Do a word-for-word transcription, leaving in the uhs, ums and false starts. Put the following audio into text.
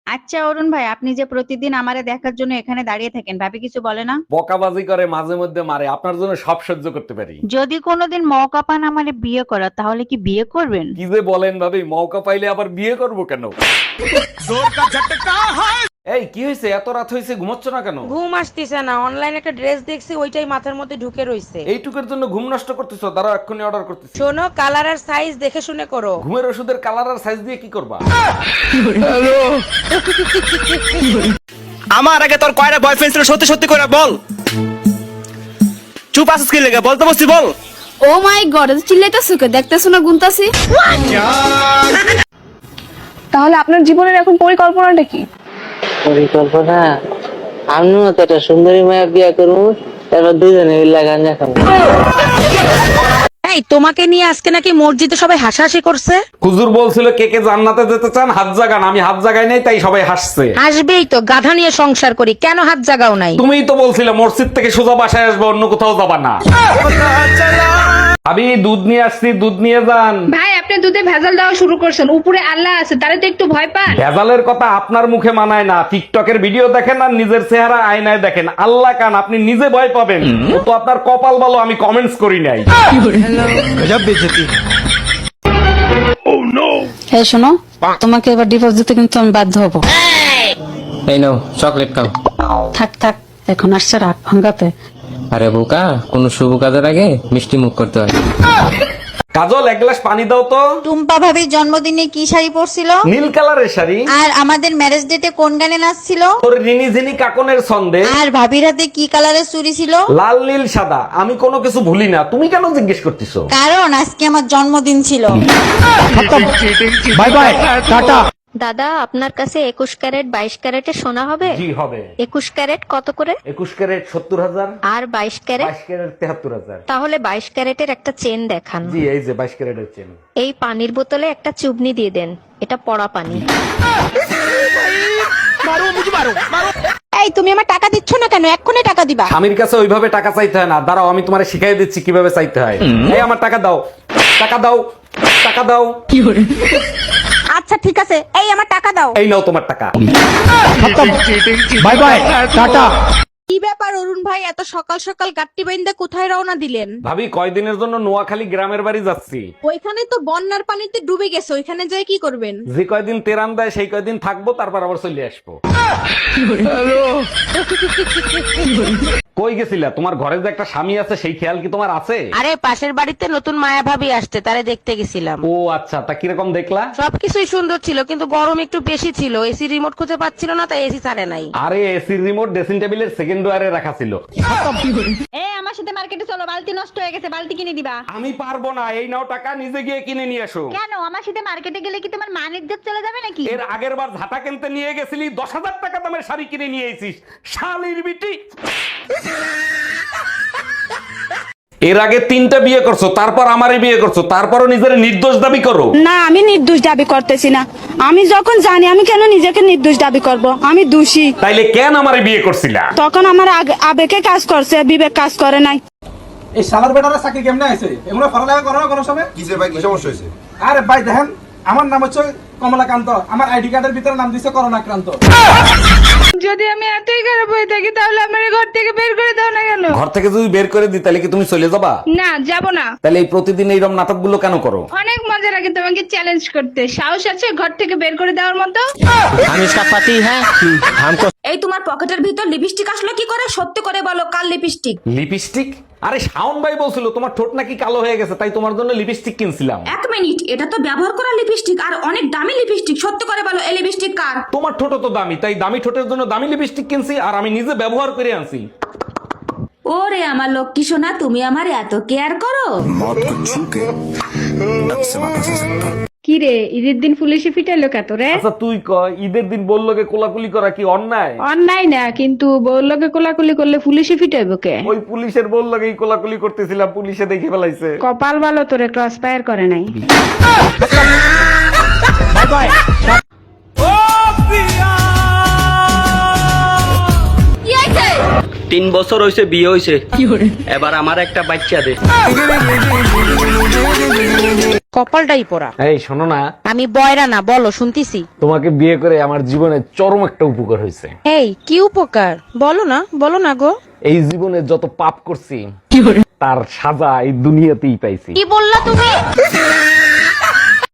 আচ্ছা অরুণ ভাই, আপনি যে প্রতিদিন আমারে দেখার জন্য এখানে দাঁড়িয়ে থাকেন, ভাবি কিছু বলে না? বকাবাজি করে, মাঝে মধ্যে মারে, আপনার জন্য সব সহ্য করতে পারি। যদি কোনোদিন মৌকা পান আমারে বিয়ে করার, তাহলে কি বিয়ে করবেন? কি যে বলেন ভাবি, মৌকা পাইলে আবার বিয়ে করব কেন? এই কি হয়েছে, এত রাত হয়েছে, ঘুমাচ্ছ না কেন? ঘুম আসতেছে না, অনলাইনে একটা ড্রেস দেখছি, ওইটাই মাথার মধ্যে ঢুকে রইছে। এইটুকুর জন্য ঘুম নষ্ট করতেছো? দাঁড়াও, এক্ষুনি অর্ডার করতেছি। শোনো, কালার আর সাইজ দেখে শুনে করো। ঘুমের ওষুধের কালার আর সাইজ দিয়ে কি করবা? আমার আগে তোর কয়টা বয়ফ্রেন্ড ছিল সত্যি সত্যি করে বল। চুপ আছিস কি লেগে, বলতে বসছি বল। ও মাই গড, চিল্লাইতাছো কে? দেখতেছো না গুনতাছি? তাহলে আপনার জীবনের এখন পরিকল্পনাটা কি? পরিকল্পনা আমিও তো একটা সুন্দরী মায়া বিয়া করবো, তারপর দুজনে মিলে গাঞ্জা খাবো। এই তোমাকে নিয়ে আজকে নাকি মসজিদে সবাই হাসাহাসি করছে। হুজুর বলছিল কে কে জান্নাতে যেতে চান হাত জাগান, আমি হাত জাগাই নাই, তাই সবাই হাসছে। আসবেই তো, গাধা নিয়ে সংসার করি, কেন হাত জাগাও নাই? তুমিই তো বলছিলে মসজিদ থেকে সোজা বাসায় আসবে, অন্য কোথাও যাবা না। আমি দুধ নিয়ে আসছি, দুধ নিয়ে যান। ভাই, আপনি দুধে ভেজাল দেওয়া শুরু করছেন, উপরে আল্লাহ আছে, তারে তো একটু ভয় পান। ভেজালের কথা আপনার মুখে মানায় না। টিকটকের ভিডিও দেখেন আর নিজের চেহারা আয়নায় দেখেন, আল্লাহ কান, আপনি নিজে ভয় পাবেন। ও তো আপনার কপাল ভালো, আমি কমেন্টস করি নাই। এই শোনো, তোমাকে এবার ডিভোর্স দিতে কিন্তু আমি বাধ্য হব। এই নাও চকলেট খাও। থাক থাক, এখন আসছে রাত ভাঙ্গাতে। আরে বোকা, কোন শুভ কাজের আগে মিষ্টি মুখ করতে হয়। কাজল, এক গ্লাস পানি দাও তো। টুম্পা ভাবির জন্মদিনে কি শাড়ি পরছিল? নীল কালারের শাড়ি। আর আমাদের ম্যারেজ ডেটে কোন গানে নাচছিল? তোর রিনি ঝিনি কাকনের ছন্দে। আর ভাবির হাতে কি কালারের চুড়ি ছিল? লাল নীল সাদা, আমি কোনো কিছু ভুলি না, তুমি কেন জিজ্ঞেস করতেছো? কারণ আজকে আমার জন্মদিন ছিল। Bye bye, tata. দাদা, আপনার কাছে একুশ ক্যারেট বাইশ ক্যারেটের সোনা হবে? জি হবে। একুশ ক্যারেট কত করে? একুশ ক্যারেট সত্তর হাজার। আর বাইশ ক্যারেট? বাইশ ক্যারেট তেহাত্তর হাজার। তাহলে বাইশ ক্যারেটের একটা চেন দেখান। জি, এই যে বাইশ ক্যারেটের চেন। এই পানির বোতলে একটা চুবনি দিয়ে দেন, এটা পড়া পানি। এই তুমি আমার টাকা দিচ্ছ না কেন? এক্ষুনি টাকা দিবা। স্বামীর কাছে ওইভাবে টাকা চাইতে হয় না, দাঁড়াও আমি তোমারে শিখাই দিচ্ছি কিভাবে চাইতে হয়। এই আমার টাকা দাও, টাকা দাও, টাকা দাও। আচ্ছা ঠিক আছে, এই আমার টাকা দাও। এই নাও তোমার টাকা। Bye bye, tata. কি ব্যাপার অরুণ ভাই, এত সকাল সকাল গাট্টি বাইন্দা কোথায় রওনা দিলেন? ভাবি, কয়দিনের জন্য নোয়াখালী গ্রামের বাড়ি যাচ্ছি। ওইখানে তো বন্যার পানিতে ডুবে গেছে, ওইখানে যাই কি করবেন? যে কয়দিন তেরান দেয় সেই কয়দিন থাকবো, তারপর আবার চলে আসবো। কই গেছিলা? তোমার ঘরে যে একটা স্বামী আছে সেই খেয়াল কি তোমার আছে? আরে পাশের বাড়িতে নতুন মায়া ভাবি আসছে, তারে দেখতে গেছিলাম। ও আচ্ছা, তা কিরকম দেখলা? সবকিছুই সুন্দর ছিল, কিন্তু গরম একটু বেশি ছিল। এসি রিমোট খুঁজে পাচ্ছিল না, তাই এসি ছাড়ে নাই। আরে এসির রিমোট ড্রেসিং টেবিলের সেকেন্ড ওয়ারে রাখা ছিল। এ আমার সাথে মার্কেটে চলো, বালতি নষ্ট হয়ে গেছে, বালতি কিনে দিবা। আমি পারবো না, এই নাও টাকা, নিজে গিয়ে কিনে নিয়ে এসো। কেন? আমার সাথে মার্কেটে গেলে কি তোমার মান ইজ্জত চলে যাবে নাকি? এর আগের বার ঝাঁটা কিনতে নিয়ে গেছিলি, দশ হাজার টাকা দামের শাড়ি কিনে নিয়ে এসিস, শালির বিটি। এর আগে তিনটা বিয়ে করছো, তারপর আমারই বিয়ে করছো, তারপরও নিজের নির্দোষ দাবি করো। না, আমি নির্দোষ দাবি করতেছি না। আমি যখন জানি, আমি কেন নিজেকে নির্দোষ দাবি করব? আমি দোষী। তাইলে কেন আমারে বিয়ে করছিলা? তখন আমার আগে- আবেগে কাজ করছে, বিবেক কাজ করে নাই। এই শালার বেটারা চাকরি কেমনে আছে? এগুলো পড়ালেখা করো না কোনো সময়? কিসে ভাই, কি সমস্যা হয়েছে? আরে ভাই দেখেন, আমার নাম হচ্ছে কমলাকান্ত, আমার আইডি কার্ডের ভিতরে নাম দিছে করোনাক্রান্ত। যদি আমি এতই খারাপ হয়ে থাকি, তাহলে আমার ঘর থেকে বের করে দাও না কেন? ঘর থেকে যদি বের করে দিই তাহলে কি তুমি চলে যাবা? না, যাব না। তাহলে এই প্রতিদিন এইরকম নাটক গুলো কেন করো? অনেক মজা লাগে তোমাকে চ্যালেঞ্জ করতে। সাহস আছে ঘর থেকে বের করে দেওয়ার মতো? हम इसका पति है, हमको। এই তোমার পকেটের ভিতর লিপস্টিক আসলো কি করে? সত্যি করে বলো, কাল লিপস্টিক? লিপস্টিক? আরে শাওন ভাই বলছিল তোমার ঠোঁট নাকি কালো হয়ে গেছে, তাই তোমার জন্য লিপস্টিক কিনছিলাম। এক মিনিট, এটা তো ব্যবহার করা লিপস্টিক, আর অনেক দামি লিপস্টিক। সত্যি করে বলো, এই লিপস্টিক কার? তোমার ঠোঁট তো দামি, তাই দামি ঠোঁটের জন্য দামি লিপস্টিক কিনছি, আর আমি নিজে ব্যবহার করে আনছি। ওরে আমার লক্ষ্মী সোনা, তুমি আমার এত কেয়ার করো। কি রে, ঈদের দিন পুলিশে ফিটাইলো কত রে? আচ্ছা তুই ক, ঈদের দিন বললোকে কোলাকুলি করা কি অন্যায়? অন্যায় না, কিন্তু বউলোকে কোলাকুলি করলে পুলিশে ফিটাইবো কে? ওই পুলিশের বললোকেই কোলাকুলি করতেছিলাম, পুলিশে দেখে ফেলাইছে। কপাল ভালো, তোরে ক্রস ফায়ার করে নাই। Bye bye. তিন বছর হয়েছে বিয়ে হয়েছে, এবার আমার একটা বাচ্চা দে। কপালটাই পড়া। এই শোনো না, আমি বয়রা না, বলো শুনতিছি। তোমাকে বিয়ে করে আমার জীবনে চরম একটা উপকার হয়েছে। এই কি উপকার বলো না, বলো না গো। এই জীবনে যত পাপ করছি তার সাজা এই দুনিয়াতেই পাইছি। কি বললা তুমি?